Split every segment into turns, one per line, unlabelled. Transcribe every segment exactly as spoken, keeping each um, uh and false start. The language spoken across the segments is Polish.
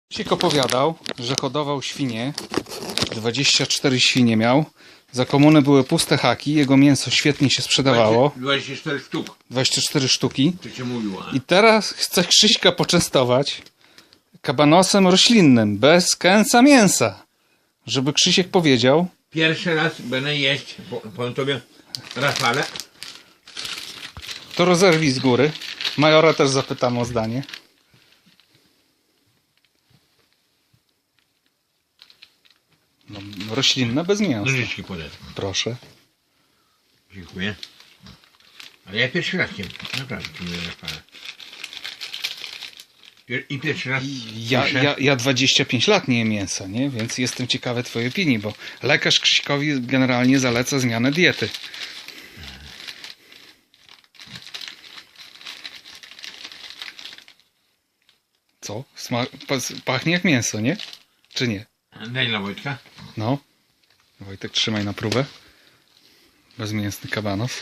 Krzysiek opowiadał, że hodował świnie, dwadzieścia cztery świnie miał. Za komuny były puste haki, jego mięso świetnie się sprzedawało.
dwadzieścia cztery sztuk,
dwadzieścia cztery sztuki.
to cię mówiło.
I teraz chce Krzyśka poczęstować kabanosem roślinnym, bez kęsa mięsa. Żeby Krzysiek powiedział,
Pierwszy raz będę jeść, po- powiem tobie, Rafale.
to rozerwij z góry. Majora też zapytamy o zdanie. No, roślinne bez mięsa.
Nożyczki podać.
Proszę.
Dziękuję. Ale ja pierwszy raz jem, naprawdę tu nie Rafale. Pier- I pierwszy raz
Ja,
słyszę-
ja, ja dwadzieścia pięć lat nie jem mięsa, nie? Więc jestem ciekawy twojej opinii, bo lekarz Krzyśkowi generalnie zaleca zmianę diety. Co? Sma pas- pachnie jak mięso, nie? Czy nie?
Daj dla Wojtka.
No. Wojtek, trzymaj na próbę. Bezmięsny kabanos.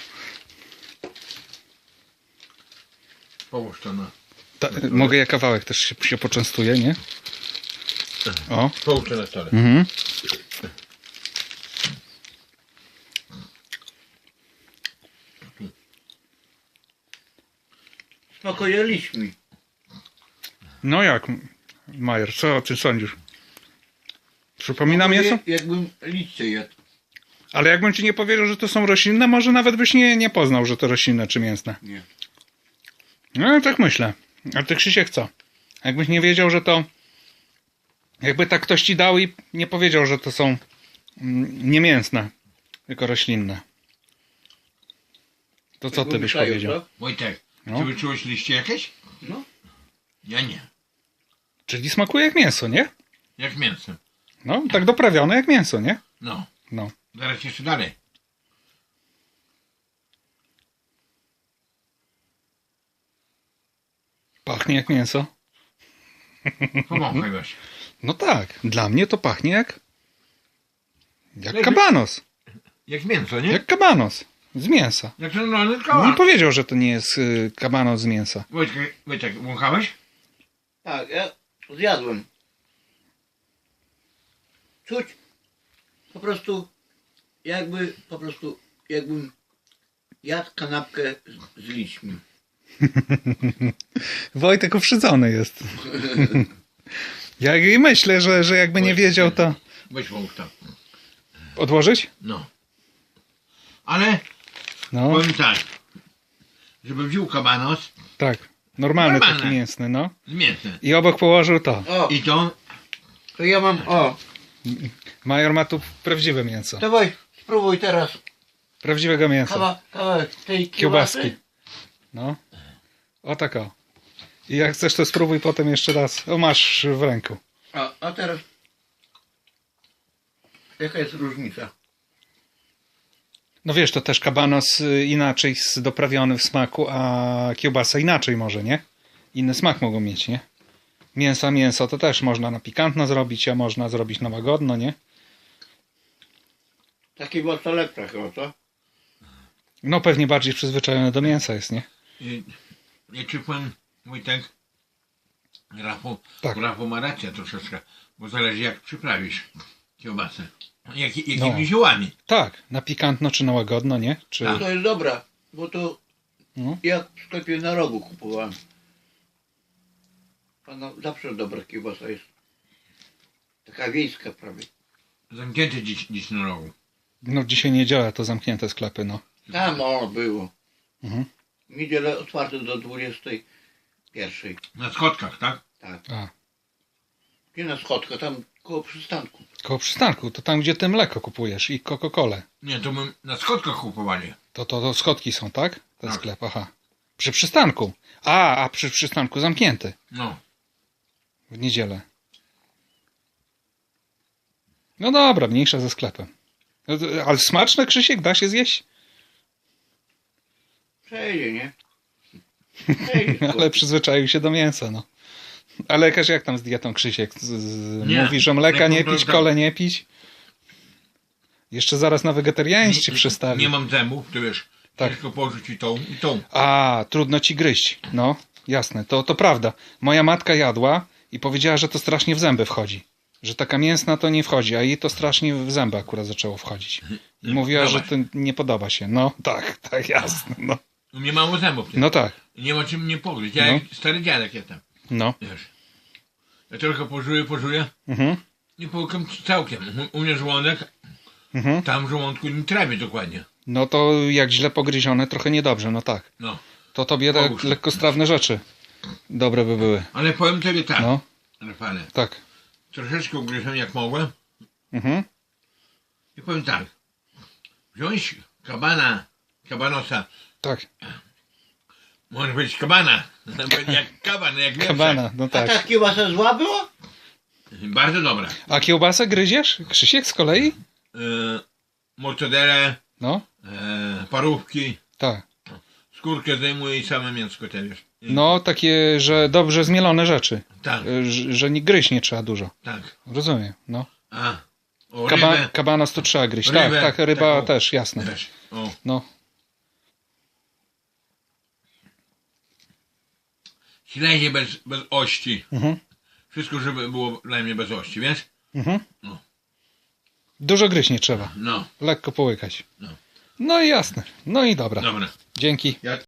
Połóż to na...
Ta, mogę ja kawałek też się, się poczęstuję, nie? O.
Połóż to na stole.
Mhm.
Smakuje liśćmi.
No jak, Majer, co ty sądzisz? Przypomina mięso?
Smakuje, jakbym liście jadł.
Ale jakbym ci nie powiedział, że to są roślinne, może nawet byś nie, nie poznał, że to roślinne czy mięsne.
Nie.
No tak myślę. A ty, Krzysiek, co? Jakbyś nie wiedział, że to... Jakby tak ktoś ci dał i nie powiedział, że to są mm, nie mięsne, tylko roślinne. To co ty
Jakbym
byś
szaju,
powiedział?
co?
Wojtek,
No.
czy wyczułeś liście jakieś?
No.
Ja nie.
Czyli smakuje jak mięso, nie?
Jak mięsem.
No, tak doprawione jak mięso, nie?
No.
No.
Zaraz jeszcze dalej.
Pachnie jak mięso.
Pomogę właśnie.
No tak, dla mnie to pachnie jak... Jak
Leży-
kabanos.
Jak mięso, nie? Jak,
Jak kabanos. Z mięsa.
jak normalny
Nie
kawałek.
powiedział, że to nie jest y, kabanos z mięsa.
Wojtek, Wojtek, wąchałeś?
Tak, ja zjadłem. Czuć po prostu jakby, po prostu jakbym jadł kanapkę z, z liśćmi.
Wojtek uprzedzony jest. Ja i myślę, że, że jakby nie wiedział, to...
Weź wąch tam.
Odłożyć?
No. Ale
No,
powiem tak. Żeby wziął kabanos
tak. Normalny
Normalny.
taki mięsny, no.
z mięsem.
I obok położył to.
O,
I to
to ja mam, o,
Major ma tu prawdziwe mięso.
dawaj, spróbuj teraz
Prawdziwego mięsa.
kawa, kawałek tej
Kiełbaski.
kiełbasy.
No. O tak o. I jak chcesz, to spróbuj potem jeszcze raz. O, masz w ręku.
A, a teraz jaka jest różnica?
No wiesz, to też kabanos y, inaczej z- doprawiony w smaku, a kiełbasa inaczej może, nie? Inny smak mogą mieć, nie? Mięsa, mięso to też można na pikantno zrobić, a można zrobić na łagodno, nie?
Taki mocno lepsza chyba, co?
No pewnie bardziej przyzwyczajony do mięsa jest, nie?
I, ja ci powiem, Wojtek, Rafał,
Tak.
Rafał ma rację troszeczkę, bo zależy jak przyprawisz kiełbasę. Jak, jakimi
No.
ziołami.
Tak, na pikantno czy na łagodno, nie? Czy...
Tak.
To jest dobra, bo to
No.
ja w sklepie na rogu kupowałem. Pana zawsze dobra kiełbasa jest. Taka wiejska prawie.
Zamknięte dziś, dziś na rogu.
no dzisiaj niedziela, to zamknięte sklepy, no.
Tam o było.
Mhm.
W niedzielę otwarte do dwudziestej pierwszej.
Na schodkach, tak?
Tak.
A,
Nie na schodkach, tam koło przystanku.
koło przystanku, to tam, gdzie ty mleko kupujesz i Coca-Colę.
Nie, to my na schodkach kupowali.
To, to, to schodki są, tak? Ten
Tak.
sklep, aha. Przy przystanku. A, a przy przystanku zamknięty.
No.
W niedzielę. No dobra, mniejsza ze sklepem. No to- Ale smaczne, Krzysiek, da się zjeść?
Przejdzie, nie? Przejdzie.
Ale przyzwyczaił się do mięsa, no. Ale lekarz jak tam z dietą, Krzysiek? Z, z,
Nie,
mówi, że mleka nie
mleko to
pić,
tak.
kole nie pić? Jeszcze zaraz na wegetarianizm ci przystawi.
Nie mam zębów, to wiesz,
Tak.
ciężko położyć i tą, i tą.
A, trudno ci gryźć. No, jasne, to, to prawda. Moja matka jadła I powiedziała, że to strasznie w zęby wchodzi. Że taka mięsna to nie wchodzi, a jej to strasznie w zęby akurat zaczęło wchodzić. I mówiła, że to nie podoba się. No tak, tak, jasne. No,
U mnie mało zębów.
no tak,
Nie ma czym mnie pogryźć. Ja
No.
jak stary dziadek jestem.
no.
Wiesz. Ja tylko pożuję, pożuję
Mhm,
i połykam całkiem. U, u mnie żołądek,
mhm.
tam w żołądku nie trawi dokładnie.
No to jak źle pogryzione, trochę niedobrze, no tak.
No.
To tobie tak
Pogóż.
lekkostrawne rzeczy dobre by były.
Ale powiem tobie tak,
No,
Rafale.
tak.
Troszeczkę ugryzłem jak mogłem.
Mhm,
I powiem tak. Wziąć kabana, kabanosa.
tak.
Może być kabana. Jak kaban, jak mięso.
Kabana, no
A ta
tak.
kiełbasa zła była?
Bardzo dobra.
A kiełbasę gryziesz, Krzysiek, z kolei?
E, mortadele,
No,
e, parówki,
tak.
skórkę zdejmuję i same mięsko też. wiesz. I-
No, takie, że dobrze zmielone rzeczy.
Tak,
Y, Że, że nie gryźć nie trzeba dużo.
tak.
Rozumiem, no.
A, o
Kaba,
rybę
kabanos to trzeba gryźć.
Rybę,
tak, tak, ryba
taką.
też, jasne.
też. O.
No,
Śledzie bez, bez ości.
mhm,
Wszystko, żeby było dla mnie bez ości, wiesz?
mhm.
No.
Dużo gryźć nie trzeba.
No,
Lekko połykać.
No.
No i jasne. No i dobra.
dobra.
Dzięki.
Ja